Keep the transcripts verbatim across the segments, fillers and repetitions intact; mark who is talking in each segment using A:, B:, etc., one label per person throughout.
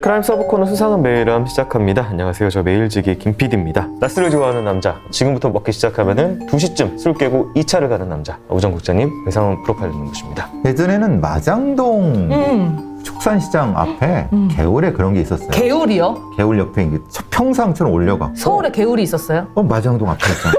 A: 크라임 서브 코너 수상한 메일함 시작합니다. 안녕하세요. 저 메일지기 김피디입니다. 낮술을 좋아하는 남자, 지금부터 먹기 시작하면은 두 시쯤 술 깨고 이 차를 가는 남자, 우정 국장님 외상원 프로파일러님 모십니다.
B: 예전에는 마장동
C: 음.
B: 축산시장 앞에
C: 음.
B: 개울에 그런 게 있었어요.
C: 개울이요?
B: 개울 옆에 이게 평상처럼 올려갖고
C: 서울에 개울이 있었어요?
B: 어, 마장동 앞에 있잖아.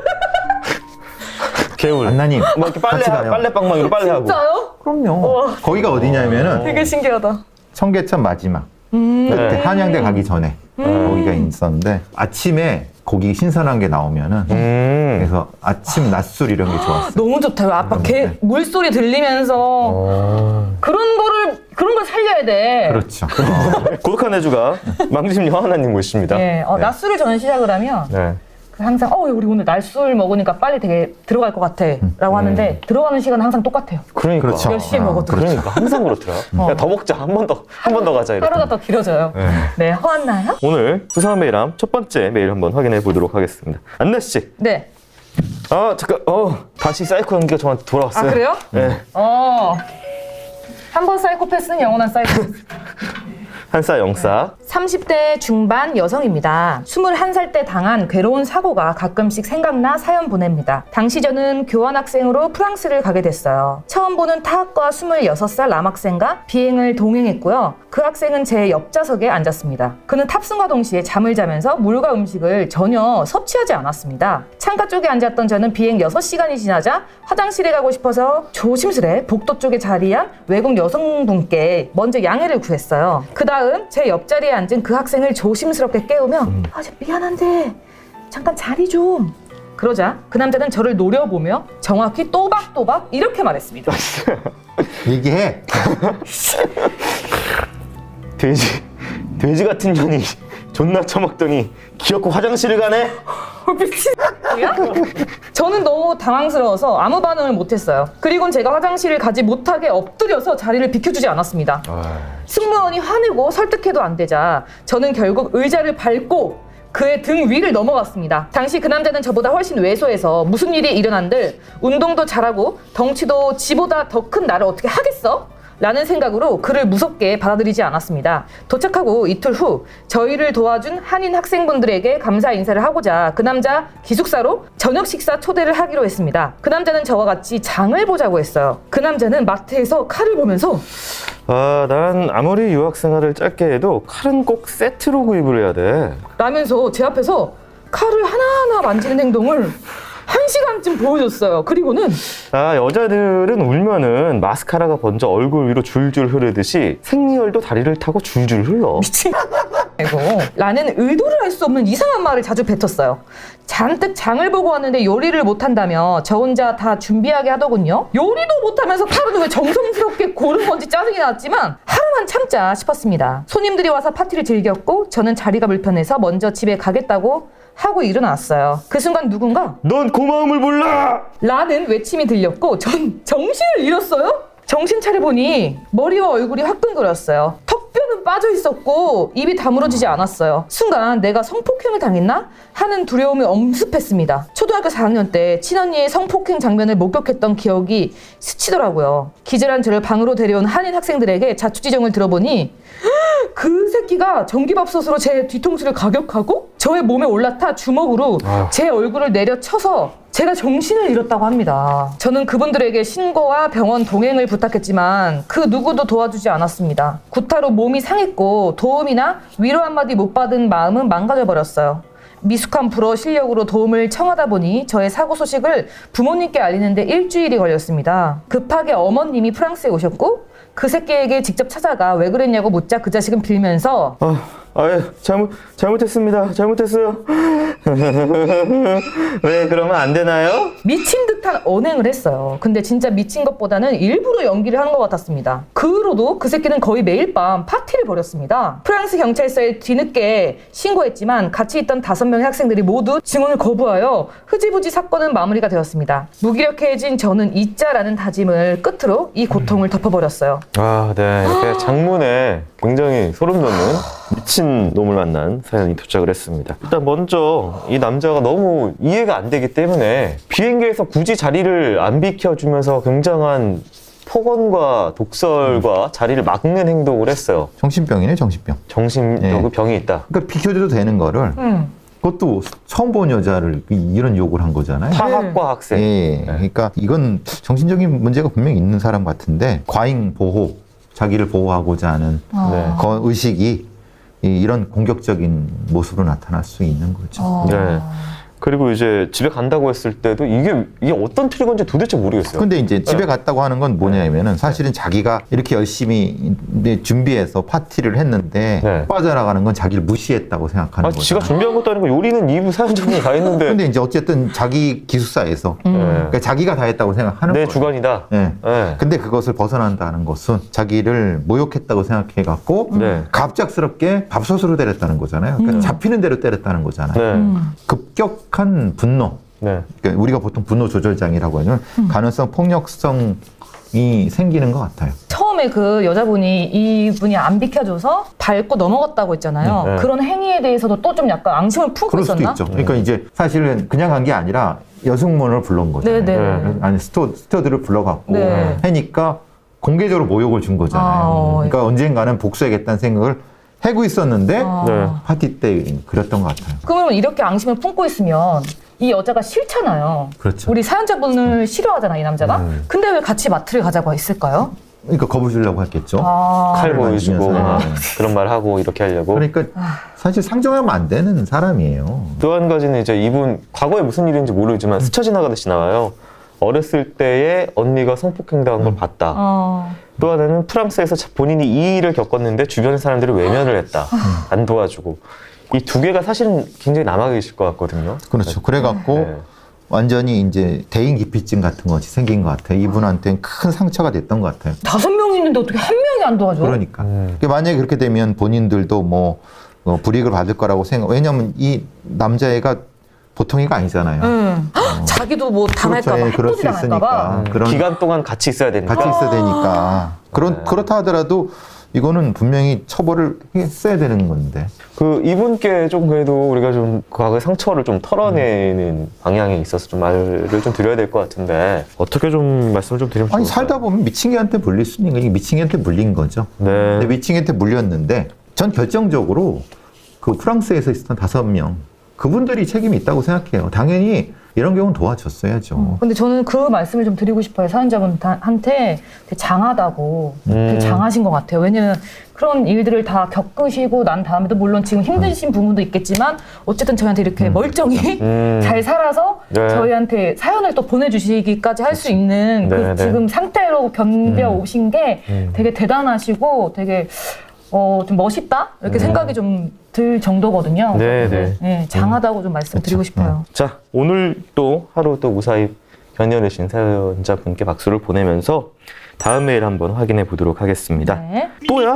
A: 개울.
B: 안나님
A: 뭐 이렇게 빨래,
B: 같이 가요.
A: 빨래방망이로 빨래하고.
C: 진짜요?
B: 그럼요. 거기가 어디냐면은
C: 되게 신기하다.
B: 청계천 마지막
C: 음.
B: 그때
A: 네.
B: 한양대 가기 전에
C: 음.
B: 거기가 있었는데 아침에 고기 신선한 게 나오면은
A: 음.
B: 그래서 아침 낮술 이런 게 좋았어요.
C: 너무 좋다. 아빠
B: 음,
C: 개
B: 네.
C: 물소리 들리면서
A: 어...
C: 그런 거를 그런 걸 살려야 돼.
B: 그렇죠.
A: 고독한 애주가 망심 여하나님 모십니다.
C: 예, 어,
B: 네.
C: 낮술을 저는 시작을 하면
A: 네.
C: 그 항상 어 우리 오늘 낮술 먹으니까 빨리 되게 들어갈 것 같아라고 하는데 들어가는 시간은 항상 똑같아요.
A: 그러니까.
B: 그렇죠.
C: 몇 시에
B: 아,
C: 먹어도
A: 그러니까 항상 그렇더라. 야, 더 먹자. 한 번 더, 한 번 더 가자. 이렇게.
C: 하루가 더 길어져요.
A: 네.
C: 네, 허왔나요?
A: 오늘 수상한 메일함 첫 번째 메일 한번 확인해 보도록 하겠습니다. 안나 씨.
C: 네.
A: 아 잠깐. 어 다시 사이코 연기가 저한테 돌아왔어요.
C: 아 그래요?
A: 네.
C: 어. 한 번 사이코패스는 영원한 사이코패스.
A: 한싸 영싸.
C: 삼십 대 중반 여성입니다. 스물한 살 때 당한 괴로운 사고가 가끔씩 생각나 사연 보냅니다. 당시 저는 교환학생으로 프랑스를 가게 됐어요. 처음 보는 타학과 스물여섯 살 남학생과 비행을 동행했고요. 그 학생은 제 옆좌석에 앉았습니다. 그는 탑승과 동시에 잠을 자면서 물과 음식을 전혀 섭취하지 않았습니다. 창가 쪽에 앉았던 저는 비행 여섯 시간이 지나자 화장실에 가고 싶어서 조심스레 복도 쪽에 자리한 외국 여성분께 먼저 양해를 구했어요. 그 다음 제 옆자리에 앉은 그 학생을 조심스럽게 깨우며
A: 음.
C: 아, 저 미안한데 잠깐 자리 좀. 그러자 그 남자는 저를 노려보며 정확히 또박또박 이렇게 말했습니다.
B: 얘기해.
A: 돼지 돼지 같은 년이 존나 처먹더니 귀엽고 화장실을 가네.
C: 미친이야? 저는 너무 당황스러워서 아무 반응을 못했어요. 그리고는 제가 화장실을 가지 못하게 엎드려서 자리를 비켜주지 않았습니다. 승무원이 화내고 설득해도 안 되자 저는 결국 의자를 밟고 그의 등 위를 넘어갔습니다. 당시 그 남자는 저보다 훨씬 왜소해서 무슨 일이 일어난들 운동도 잘하고 덩치도 지보다 더 큰 나를 어떻게 하겠어? 라는 생각으로 그를 무섭게 받아들이지 않았습니다. 도착하고 이틀 후 저희를 도와준 한인 학생분들에게 감사 인사를 하고자 그 남자 기숙사로 저녁 식사 초대를 하기로 했습니다. 그 남자는 저와 같이 장을 보자고 했어요. 그 남자는 마트에서 칼을 보면서
A: 아, 난 아무리 유학 생활을 짧게 해도 칼은 꼭 세트로 구입을 해야 돼.
C: 라면서 제 앞에서 칼을 하나하나 만지는 행동을 한 시간쯤 보여줬어요. 그리고는
A: 아, 여자들은 울면은 마스카라가 먼저 얼굴 위로 줄줄 흐르듯이 생리혈도 다리를 타고 줄줄 흘러.
C: 미친 이고 라는 의도를 알 수 없는 이상한 말을 자주 뱉었어요. 잔뜩 장을 보고 왔는데 요리를 못한다며 저 혼자 다 준비하게 하더군요. 요리도 못하면서 칼은 왜 정성스럽게 고른 건지 짜증이 났지만 하루만 참자 싶었습니다. 손님들이 와서 파티를 즐겼고 저는 자리가 불편해서 먼저 집에 가겠다고 하고 일어났어요. 그 순간 누군가
A: 넌 고마움을 몰라!
C: 라는 외침이 들렸고 전 정신을 잃었어요. 정신 차려보니 머리와 얼굴이 화끈거렸어요. 턱뼈는 빠져 있었고 입이 다물어지지 않았어요. 순간 내가 성폭행을 당했나? 하는 두려움이 엄습했습니다. 초등학교 사 학년 때 친언니의 성폭행 장면을 목격했던 기억이 스치더라고요. 기절한 저를 방으로 데려온 한인 학생들에게 자초지종을 들어보니 그 새끼가 전기밥솥으로 제 뒤통수를 가격하고 저의 몸에 올라타 주먹으로 제 얼굴을 내려쳐서 제가 정신을 잃었다고 합니다. 저는 그분들에게 신고와 병원 동행을 부탁했지만 그 누구도 도와주지 않았습니다. 구타로 몸이 상했고 도움이나 위로 한마디 못 받은 마음은 망가져버렸어요. 미숙한 불어 실력으로 도움을 청하다 보니 저의 사고 소식을 부모님께 알리는데 일주일이 걸렸습니다. 급하게 어머님이 프랑스에 오셨고 그 새끼에게 직접 찾아가 왜 그랬냐고 묻자 그 자식은 빌면서
A: 아, 아유, 잘못, 잘못했습니다. 잘못했어요. 왜 그러면 안 되나요?
C: 미친 듯한 언행을 했어요. 근데 진짜 미친 것보다는 일부러 연기를 하는 것 같았습니다. 그 후로도 그 새끼는 거의 매일 밤 파티를 벌였습니다. 프랑스 경찰서에 뒤늦게 신고했지만 같이 있던 다섯 명의 학생들이 모두 증언을 거부하여 흐지부지 사건은 마무리가 되었습니다. 무기력해진 저는 잊자라는 다짐을 끝으로 이 고통을 덮어버렸어요.
A: 아, 네. 이렇게 장문에 굉장히 소름 돋는 미친 놈을 만난 사연이 도착을 했습니다. 일단 먼저 이 남자가 너무 이해가 안 되기 때문에 비행기에서 굳이 자리를 안 비켜주면서 굉장한 폭언과 독설과 자리를 막는 행동을 했어요.
B: 정신병이네, 정신병.
A: 정신적
B: 네.
A: 병이 있다.
B: 그러니까 비켜줘도 되는 거를
C: 음.
B: 그것도 처음 본 여자를 이런 욕을 한 거잖아요.
A: 타학과 학생.
B: 예, 그러니까 이건 정신적인 문제가 분명히 있는 사람 같은데 과잉 보호, 자기를 보호하고자 하는
C: 어.
A: 네.
B: 그 의식이 이- 이런 공격적인 모습으로 나타날 수 있는 거죠.
C: 어.
A: 네. 그리고 이제 집에 간다고 했을 때도 이게 이게 어떤 트리거인지 도대체 모르겠어요.
B: 근데 이제 집에
A: 네.
B: 갔다고 하는 건 뭐냐면은 사실은 자기가 이렇게 열심히 이제 준비해서 파티를 했는데
A: 네.
B: 빠져나가는 건 자기를 무시했다고 생각하는
A: 아,
B: 거죠.
A: 지가 준비한 것도 아니고 요리는 이 부 사연자분이 다 했는데
B: 근데 이제 어쨌든 자기 기숙사에서
C: 음.
A: 네.
B: 그러니까 자기가 다 했다고 생각하는
A: 내
B: 거예요.
A: 주관이다.
B: 네.
A: 네.
B: 근데 그것을 벗어난다는 것은 자기를 모욕했다고 생각해 갖고
A: 네.
B: 갑작스럽게 밥솥으로 때렸다는 거잖아요. 그러니까
C: 음.
B: 잡히는 대로 때렸다는 거잖아요.
A: 네.
C: 음.
B: 급격한 분노.
A: 네.
B: 그러니까 우리가 보통 분노 조절장애라고 하는
C: 음.
B: 가능성 폭력성이 생기는 것 같아요.
C: 처음에 그 여자분이 이분이 안 비켜줘서 밟고 넘어갔다고 했잖아요.
A: 네.
C: 그런 행위에 대해서도 또 좀 약간 앙심을 품고
B: 그럴 수도
C: 있었나?
B: 있죠. 그러니까 이제 사실은 그냥 간 게 아니라 여승문을 불러온 거잖아요.
C: 네네.
A: 네.
B: 아니 스튜, 스튜어드를 불러갖고
C: 네.
B: 하니까 공개적으로 모욕을 준 거잖아요.
C: 아,
B: 그러니까 언젠가는 복수하겠다는 생각을 하고 있었는데
C: 아.
A: 네.
B: 파티 때 그랬던 것 같아요.
C: 그러면 이렇게 앙심을 품고 있으면 이 여자가 싫잖아요.
B: 그렇죠.
C: 우리 사연자분을 싫어하잖아, 이 남자가.
A: 음.
C: 근데 왜 같이 마트를 가자고 했을까요?
B: 그러니까 겁을 주려고 했겠죠.
C: 아.
A: 칼 보여주고
B: 만지면서.
A: 막
B: 네.
A: 그런 말 하고 이렇게 하려고.
B: 그러니까
C: 아.
B: 사실 상정하면 안 되는 사람이에요.
A: 또 한 가지는 이제 이분 과거에 무슨 일인지 모르지만 스쳐 지나가듯이 나와요. 어렸을 때에 언니가 성폭행당한 걸 봤다.
C: 어.
A: 또 하나는 프랑스에서 자- 본인이 이 일을 겪었는데 주변 사람들이 외면을 했다. 안 도와주고. 이 두 개가 사실은 굉장히 남아 계실 것 같거든요.
B: 그렇죠. 그래갖고
A: 네.
B: 완전히 이제 대인 기피증 같은 것이 생긴 것 같아요. 이분한테는 큰 상처가 됐던 것 같아요.
C: 다섯 명 있는데 어떻게 한 명이 안 도와줘?
B: 그러니까.
A: 음.
B: 그러니까 만약에 그렇게 되면 본인들도 뭐 어, 불이익을 받을 거라고 생각. 왜냐하면 이 남자애가 보통 애가 아니잖아요.
C: 응. 헉, 자기도 뭐 당할까봐,
B: 그렇죠. 예, 그럴 수
C: 해코지 당할까봐.
B: 있으니까. 그런
A: 기간 동안 같이 있어야 되니까.
B: 같이 있어야 되니까. 그런
A: 네.
B: 그렇다 하더라도 이거는 분명히 처벌을 했어야 되는 건데.
A: 그 이분께 좀 그래도 우리가 좀 과거의 상처를 좀 털어내는 방향에 있어서 좀 말을 좀 드려야 될 것 같은데 어떻게 좀 말씀을 좀 드리면
B: 아니
A: 좋을까요?
B: 살다 보면 미친개한테 물릴 수 있는 거 이게 미친개한테 물린 거죠.
A: 네.
B: 근데 미친개한테 물렸는데 전 결정적으로 그 프랑스에서 있었던 다섯 명 그분들이 책임이 있다고 생각해요. 당연히 이런 경우는 도와줬어야죠.
C: 근데 저는 그 말씀을 좀 드리고 싶어요. 사연자분한테 되게 장하다고. 되게
A: 음.
C: 장하신 것 같아요. 왜냐면 그런 일들을 다 겪으시고 난 다음에도 물론 지금 힘드신 부분도 있겠지만 어쨌든 저희한테 이렇게 멀쩡히
A: 음.
C: 잘 살아서
A: 네.
C: 저희한테 사연을 또 보내주시기까지 할 수 있는 그
A: 네, 네.
C: 지금 상태로 견뎌 오신 게
A: 음.
C: 되게 대단하시고 되게 어, 좀 멋있다? 이렇게 생각이 좀 들 정도거든요.
A: 네,
C: 그래서,
A: 네.
C: 네, 장하다고 좀 말씀드리고 싶어요.
A: 자, 오늘 또 하루 또 무사히 견뎌내신 사연자분께 박수를 보내면서 다음 메일 한번 확인해 보도록 하겠습니다.
C: 네.
A: 또야?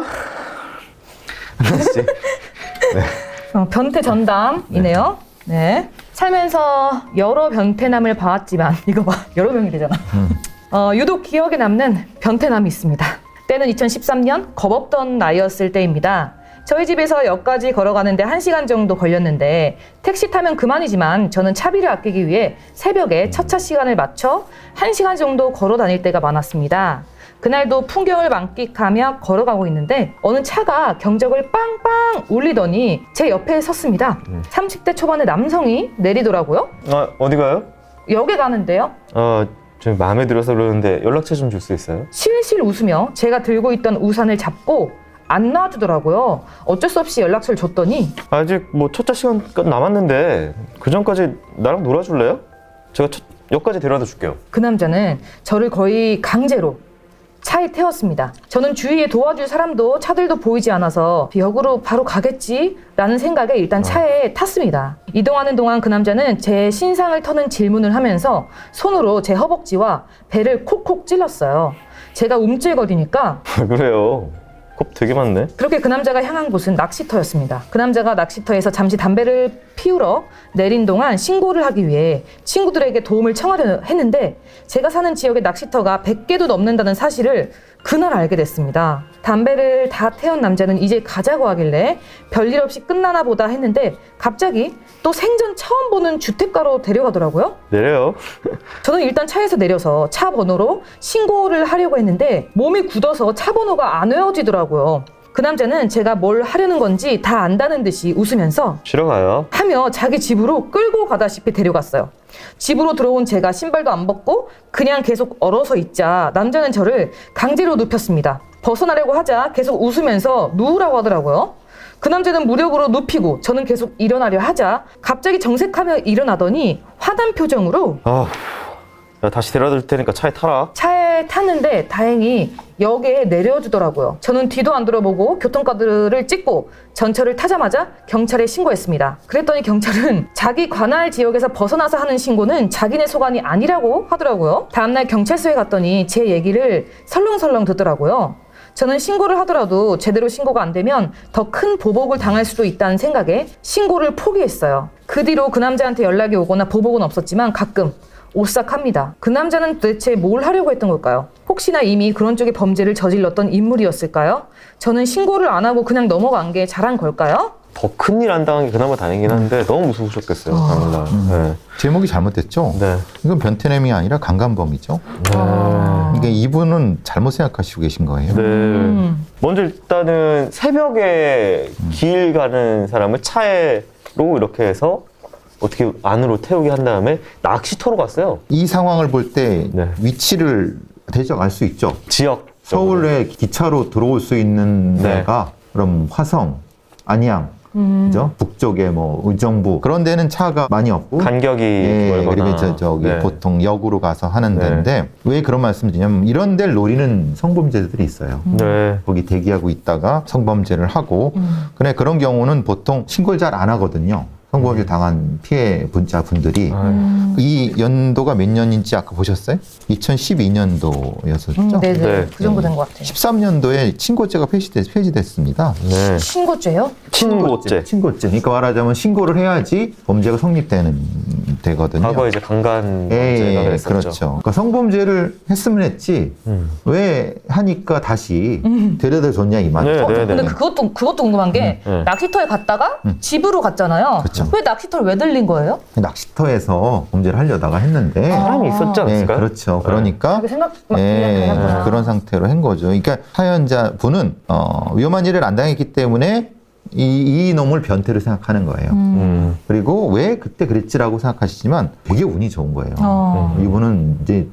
A: 하나씩.
C: 어, 변태 전담이네요. 네. 살면서 여러 변태남을 봐왔지만 이거 봐 여러 명이 되잖아. 어, 유독 기억에 남는 변태남이 있습니다. 때는 이천십삼 년 겁없던 나이였을 때입니다. 저희 집에서 역까지 걸어가는데 한 시간 정도 걸렸는데 택시 타면 그만이지만 저는 차비를 아끼기 위해 새벽에 첫 차 시간을 맞춰 한 시간 정도 걸어 다닐 때가 많았습니다. 그날도 풍경을 만끽하며 걸어가고 있는데 어느 차가 경적을 빵빵 울리더니 제 옆에 섰습니다. 삼십 대 초반의 남성이 내리더라고요.
A: 아, 어디 가요?
C: 역에 가는데요.
A: 어, 좀 마음에 들어서 그러는데 연락처 좀 줄 수 있어요?
C: 실실 웃으며 제가 들고 있던 우산을 잡고 안 놔주더라고요. 어쩔 수 없이 연락처를 줬더니
A: 아직 뭐 첫 차 시간 남았는데 그 전까지 나랑 놀아줄래요? 제가 첫, 역까지 데려다 줄게요.
C: 그 남자는 저를 거의 강제로 차에 태웠습니다. 저는 주위에 도와줄 사람도 차들도 보이지 않아서 역으로 바로 가겠지라는 생각에 일단 차에 탔습니다. 이동하는 동안 그 남자는 제 신상을 터는 질문을 하면서 손으로 제 허벅지와 배를 콕콕 찔렀어요. 제가 움찔거리니까
A: 왜 그래요? 겁 되게 많네.
C: 그렇게 그 남자가 향한 곳은 낚시터였습니다. 그 남자가 낚시터에서 잠시 담배를 피우러 내린 동안 신고를 하기 위해 친구들에게 도움을 청하려 했는데 제가 사는 지역의 낚시터가 백 개도 넘는다는 사실을 그날 알게 됐습니다. 담배를 다 태운 남자는 이제 가자고 하길래 별일 없이 끝나나 보다 했는데 갑자기 또 생전 처음 보는 주택가로 데려가더라고요.
A: 내려요.
C: 저는 일단 차에서 내려서 차 번호로 신고를 하려고 했는데 몸이 굳어서 차 번호가 안 외워지더라고요. 그 남자는 제가 뭘 하려는 건지 다 안다는 듯이 웃으면서
A: 쉬러 가요.
C: 하며 자기 집으로 끌고 가다시피 데려갔어요. 집으로 들어온 제가 신발도 안 벗고 그냥 계속 얼어서 있자 남자는 저를 강제로 눕혔습니다. 벗어나려고 하자 계속 웃으면서 누우라고 하더라고요. 그 남자는 무력으로 눕히고 저는 계속 일어나려 하자 갑자기 정색하며 일어나더니 화난 표정으로
A: 아, 야, 다시 데려다 줄 테니까 차에 타라.
C: 차에 탔는데 다행히 역에 내려주더라고요. 저는 뒤도 안 돌아보고 교통카드를 찍고 전철을 타자마자 경찰에 신고했습니다. 그랬더니 경찰은 자기 관할 지역에서 벗어나서 하는 신고는 자기네 소관이 아니라고 하더라고요. 다음날 경찰서에 갔더니 제 얘기를 설렁설렁 듣더라고요. 저는 신고를 하더라도 제대로 신고가 안 되면 더 큰 보복을 당할 수도 있다는 생각에 신고를 포기했어요. 그 뒤로 그 남자한테 연락이 오거나 보복은 없었지만 가끔 오싹합니다. 그 남자는 도대체 뭘 하려고 했던 걸까요? 혹시나 이미 그런 쪽의 범죄를 저질렀던 인물이었을까요? 저는 신고를 안 하고 그냥 넘어간 게 잘한 걸까요?
A: 더 큰 일 안 당한 게 그나마 다행이긴 한데 너무 무서우셨겠어요. 당일날. 네.
B: 제목이 잘못됐죠?
A: 네.
B: 이건 변태냄이 아니라 강간범이죠.
C: 아.
B: 이게 이분은 잘못 생각하시고 계신 거예요.
A: 네.
C: 음.
A: 먼저 일단은 새벽에 길 가는 사람을 차에로 이렇게 해서 어떻게 안으로 태우게 한 다음에 낚시터로 갔어요.
B: 이 상황을 볼 때
A: 네.
B: 위치를 대략 알 수 있죠.
A: 지역.
B: 서울에 기차로 들어올 수 있는
A: 네.
B: 데가 그럼 화성, 안양,
C: 음.
B: 그죠? 북쪽에 뭐 의정부 그런 데는 차가 많이 없고
A: 간격이
B: 예,
A: 멀거나.
B: 그리고 저, 저기
A: 네.
B: 보통 역으로 가서 하는
A: 네.
B: 데인데 왜 그런 말씀 드냐면 이런 데를 노리는 성범죄들이 있어요.
A: 네.
B: 거기 대기하고 있다가 성범죄를 하고
C: 음.
B: 근데 그런 경우는 보통 신고를 잘 안 하거든요. 성범죄 당한 피해 분자 분들이
A: 아,
C: 음.
B: 이 연도가 몇 년인지 아까 보셨어요? 이천십이 년도였었죠.
C: 음, 네네.
A: 네.
C: 그 정도 된 것 같아요.
B: 십삼 년도에 친고죄가 폐지됐, 폐지됐습니다.
A: 네.
C: 신고죄요?
A: 친고죄.
B: 친고죄. 그러니까 말하자면 신고를 해야지 범죄가 성립되는 되거든요.
A: 과거 이제 강간죄가
B: 예,
A: 그랬었죠.
B: 그렇죠. 그러니까 성범죄를 했으면 했지
A: 음.
B: 왜 하니까 다시 데려다 줬냐 이 말이죠.
A: 네,
C: 어,
A: 네,
C: 근데
A: 네.
C: 그것도 그것도 궁금한 게
A: 음, 네.
C: 낚시터에 갔다가 집으로 갔잖아요.
B: 그렇죠.
C: 왜 낚시터를 왜 들린 거예요?
B: 낚시터에서 범죄를 하려다가 했는데
A: 사람이 있었지
B: 네,
A: 않았을까요?
B: 그렇죠. 그러니까
C: 자기 생각 막
B: 예,
C: 그냥 가는구나.
B: 그런 상태로 한 거죠. 그러니까 사연자 분은 어, 위험한 일을 안 당했기 때문에 이, 이 놈을 변태로 생각하는 거예요.
A: 음.
B: 그리고 왜 그때 그랬지라고 생각하시지만 되게 운이 좋은 거예요.
C: 어.
B: 이분은 이제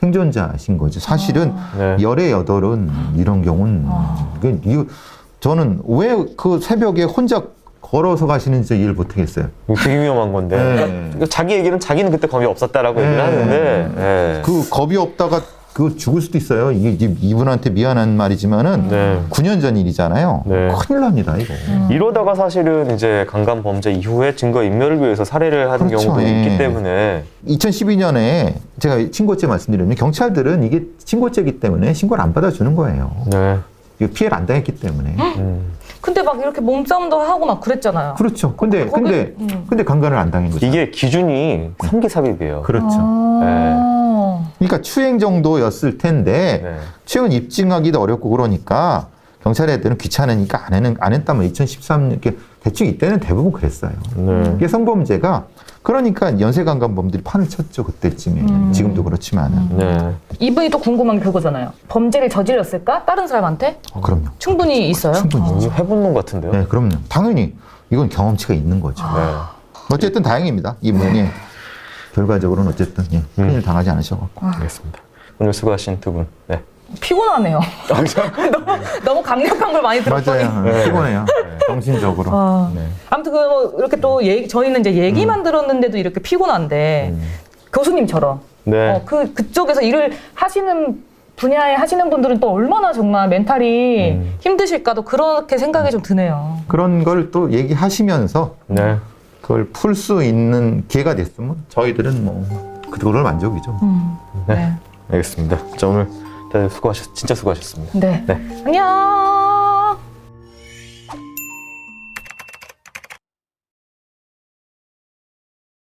B: 생존자신 거죠. 사실은
A: 네.
B: 열의 여덟은 이런 경우는 그 이유- 저는 왜 그 새벽에 혼자 걸어서 가시는지 이해를 못하겠어요.
A: 이거 되게 위험한 건데.
B: 네.
A: 그러니까 자기 얘기는 자기는 그때 겁이 없었다라고
B: 네.
A: 얘기를 하는데. 네.
B: 그 겁이 없다가 그 죽을 수도 있어요. 이게 이제 이분한테 미안한 말이지만은
A: 네.
B: 구 년 전 일이잖아요.
A: 네.
B: 큰일 납니다 이거.
A: 이러다가 사실은 이제 강간 범죄 이후에 증거 인멸을 위해서 살해를 하는
B: 그렇죠.
A: 경우도
B: 예.
A: 있기 때문에.
B: 이천십이 년에 제가 친고죄 말씀드리면 경찰들은 이게 친고죄이기 때문에 신고를 안 받아주는 거예요.
A: 네.
B: 이거 피해를 안 당했기 때문에.
A: 음.
C: 근데 막 이렇게 몸싸움도 하고 막 그랬잖아요.
B: 그렇죠. 근데
C: 거기-
B: 근데
C: 음.
B: 근데 강간을 안 당한 거죠.
A: 이게 기준이 삼기삽입이에요.
B: 그렇죠.
C: 아.
B: 그러니까 추행 정도였을 텐데
A: 네.
B: 추행은 입증하기도 어렵고 그러니까 경찰 애들은 귀찮으니까 안, 했는, 안 했다면 이천십삼 년 이렇게 대충 이때는 대부분 그랬어요.
A: 네.
B: 이게 성범죄가 그러니까 연쇄강간범들이 판을 쳤죠 그때쯤에.
C: 음.
B: 지금도 그렇지만은.
A: 네.
C: 이분이 또 궁금한 게 그거잖아요. 범죄를 저질렀을까? 다른 사람한테?
B: 어, 그럼요.
C: 충분히 있어요.
B: 충분히.
A: 이거 해본 놈 같은데요?
B: 네, 그럼요. 당연히 이건 경험치가 있는 거죠.
A: 네.
B: 어쨌든 다행입니다. 이분이 결과적으로는 어쨌든 예, 큰일 당하지 않으셔갖고.
A: 알겠습니다. 오늘 수고하신 두 분. 네.
C: 피곤하네요. 너무, 너무 강력한 걸 많이 들었더니.
B: 맞아요.
A: 네.
B: 피곤해요. 정신적으로.
C: 아.
A: 네.
C: 아무튼 그 뭐 이렇게 또 얘기, 저희는 이제 얘기만 들었는데도 이렇게 피곤한데
A: 음.
C: 교수님처럼
A: 네.
C: 어, 그 그쪽에서 일을 하시는 분야에 하시는 분들은 또 얼마나 정말 멘탈이
A: 음.
C: 힘드실까도 그렇게 생각이 좀 드네요.
B: 그런 걸 또 얘기하시면서
A: 네.
B: 그걸 풀 수 있는 기회가 됐으면 저희들은 뭐 그걸로 만족이죠.
C: 음.
A: 네.
C: 네.
A: 알겠습니다. 자, 오늘 다들 수고하셨, 진짜 수고하셨습니다.
C: 네.
A: 네.
C: 안녕.